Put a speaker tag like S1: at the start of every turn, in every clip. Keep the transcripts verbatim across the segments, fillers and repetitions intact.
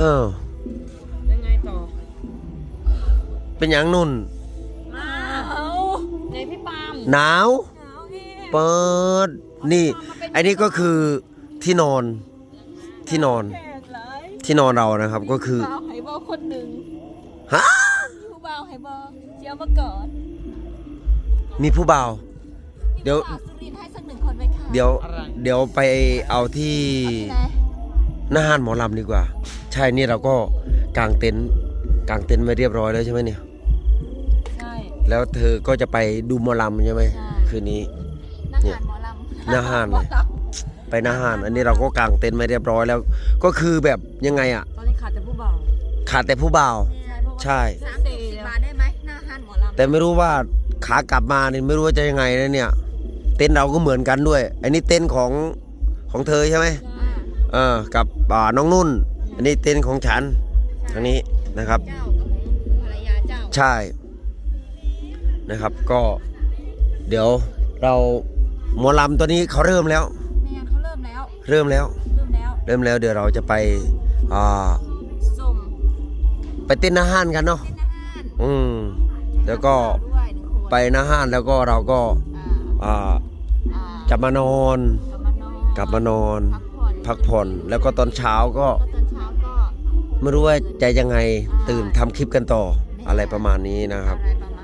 S1: อ
S2: ยังไงต่อ
S1: เป็นอย่างนุ่น
S2: หนาวไงพี่ปาม
S1: หนาวเปิดนี่ไอ้นี่ก็คือที่นอนที่นอนที่นอนเรานะครับก็คือ
S2: บ่าวไฮบอลคนหนึ่ง
S1: ฮะ
S2: ผู้บ่าวไฮบอลเชียวมาก่อน
S1: มีผู้บ่าวเดี๋ยว
S2: สุรินทร์ให้สักหนึ่งคนไหมคะ
S1: เดี๋ยวเดี๋ยวไปเอาที่หน้าห้านหมอลำดีกว่าใช่นี่เราก็กางเต็นท์กางเต็นท์ไว้เรียบร้อยแล้วใช่ไหมเนี่ย
S2: ใช่
S1: แล้วเธอก็จะไปดูหมอลำใช่ไหมคืนนี้
S2: เนี่ยหมอลำ
S1: หน้าห้านเลยไปหน้าห้านอันนี้เราก็กางเต็นท์ไว้เรียบร้อยแล้วก็คือแบบยังไงอ่ะ
S2: ตอนนี้ขาดแต่ผู้บ่าว
S1: ขาดแต่ผู้บ่าวใช่
S2: สามสิบบาทได้ไหมหน้าห้านหมอลำ
S1: แต่ไม่รู้ว่าขากลับมาเนี่ยไม่รู้ว่าจะยังไงนะเนี่ยเต็นท์เราก็เหมือนกันด้วยอันนี้เต็นท์ของของเธอใช่ไหมเออกับน้องนุ่นอันนี้เต็นท์ของฉันอันนี้นะครับ
S2: เจ้ากับภรรยาเจ้า
S1: ใช่นะครับก็เดี๋ยวเราหมอลำตัวนี้เขาเริ่มแล้ว
S2: แม่เขาเริ่มแล้ว
S1: เริ่มแล้ว
S2: เริ่มแล้ว
S1: เริ่มแล้วเดี๋ยวเราจะไปอ่า
S2: ส่ง
S1: ไปเต้นหน้าห้านกันเนาะอืมแล้วก็ไปหน้าห้านแล้วก็เราก็อ่าจะมานอนกลับมานอนพักผ่อนแล้วก็ตอนเช้าก็ไม่รู้ว่าจะยังไงตื่นทำคลิปกันต่ออะไรประมาณนี้นะครับ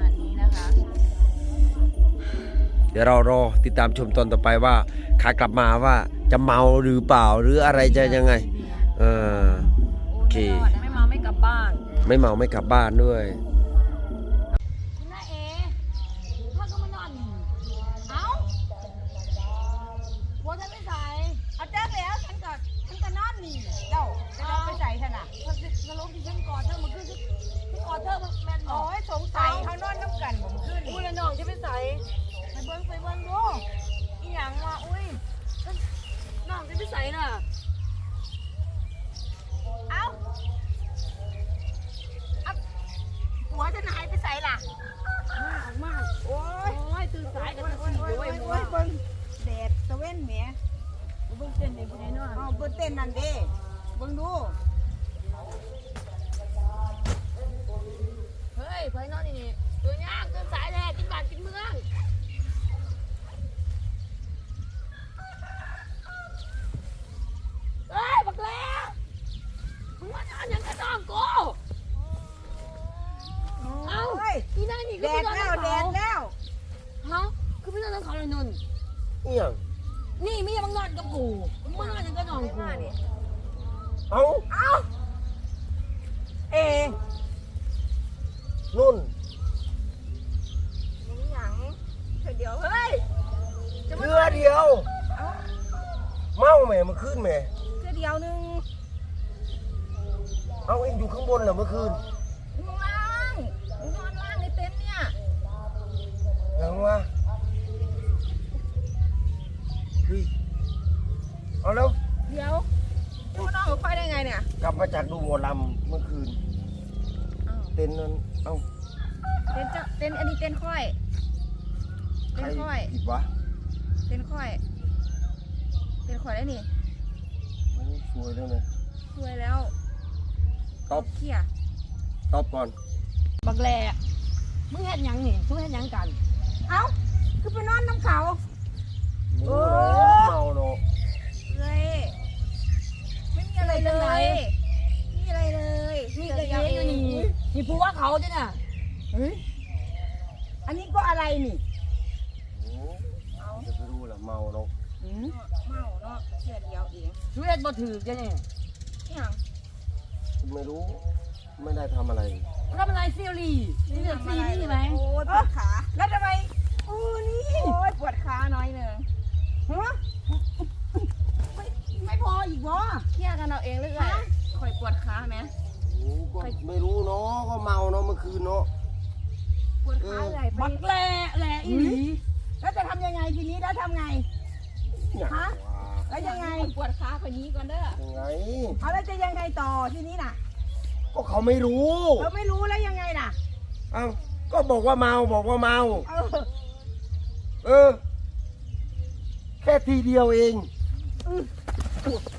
S1: เดี๋ยวเรารอติดตามชมตอนต่อไปว่าขากลับมาว่าจะเมาหรือเปล่าหรืออะไรจะยังไงเออโอเค
S2: ไม่เมาไม่กลับบ้าน
S1: ไม่เมาไม่กลับบ้านด้วย
S2: คุณน้าเอพ่อก็มานอนเอ้าหัวฉันไม่ใส่เอาแจ้งแล้วฉันก็ฉันก็นอนนี่เจ้าจะเอาไปใส่ฉันอ่ะสรุปที่ฉันกอดเธอมันคือฉันกอดเธอมันแมนโอ้ยสงสัยเขานอนน้ำกันผมขึ้นอุ้ยแล้วน้องจะไปใส่ไปเบิ้งไปเบิ้งดูอีหยังวะอุ้ยน้องจะไปใส่น่ะเอ้าหัวจะหายไปใส่ล่ะมาออกมาโอ้ยโอ้ยตื่นสายกันสี่โอ้ยโอ้ยเบิ้งแดดตะเว้นแหมเบิ้งเต้นเองคนไหนเนาะอ๋อเบิ้งเต้นนั่นเด้เบิ้งดูเฮ้ยเพื่อนนอนนี่ตัวยากตื่นสายแน่กินบ้านกินเมืองเฮ้ยบักแล้วมึงมานอนยังกระน้องกูเอาอีนั่นนี่ก็ไม่นอนแล้วแดดแล้วฮะคือไม่นอนแล้วเขาเลยนน
S1: นี่ยัง
S2: นี่ไม่ยังมานอนกับกูมึงมานอนยังกระน้องกู
S1: เอา
S2: เอาเอ
S1: นุ่น
S2: นี่หยังเธอเดียวเฮ้ย
S1: เรือเดียวเมาแม่เมื่อคืนแม่
S2: เธอเดียวนึง
S1: เอาเองอยู่ข้างบนเหรอเมื่อคืน
S2: ล่างนอนล่างในเต็นท์เนี่ย
S1: ยังวะเฮ้ยเอาแล้ว
S2: เดี๋ยวจะมานอนกับใครได้ไงเนี่ย
S1: กลับมาจากดูหมอลำเมื่อคืนเต็นท์นั้นเอ้า
S2: เต็นท์จะเต็นท์อันนี้เต็นท์ค่อยเต็นท์ค่อย
S1: ผิดวะ
S2: เต็นท์ค่อยเต็นท์ค่อยได้นี่
S1: สวยแล้วเนี่ย
S2: สวยแล้ว
S1: ตบ
S2: เขี่ย
S1: ตบก่อน
S2: บักแหล่มึงเห็นยังนี่มึงเห็นยังกันเอ้าคือไปนอนน้ำเขา
S1: เออเมาเนาะ
S2: เลยไม่มีอะไรเลยมีอะไรเลยมีแต่ยังอยู่นี่นี่พูดว่าเขาจ้ะน่ะเฮ้ยอันนี้ก็อะไรนี่
S1: เอาจะไปรู้เหรอเมาเนาะ
S2: เมาเนาะเชื่อเดียวเองช่วยบ่ถือจ้ะเนี่ยยัง
S1: ไม่รู้ไม่ได้ทำอะไร
S2: ทำอะไรซีรีส์นี่เดือดซีรีส์ไหมโอ้ยปวดขาแล้วทำไมโอ้นี่โอ้ยปวดขาน้อยหนึ่งฮะไม่ไม่พออีกวะเคลียร์กันเอาเองหรือไงคอยปวดขาไหม
S1: ก็ไม่รู้เนาะก็เมาเนาะเมื่อคืนเนาะ
S2: ปวดขาใหญ่ไปบักแหล่แหล่อีหลีแล้วจะทำยังไงทีนี้แล้วทำไงฮะแล้วยังไงปวดขาคนนี้ก่อนเด้อ
S1: ยังไง
S2: เอาแล้วจะยังไงต่อทีนี้น่ะ
S1: ก็เขาไม่รู้
S2: เขาไม่รู้แล้วยังไงน่ะ
S1: เอ้าก็บอกว่าเมาบอกว่าเมาเออเออแค่ทีเดียวเอง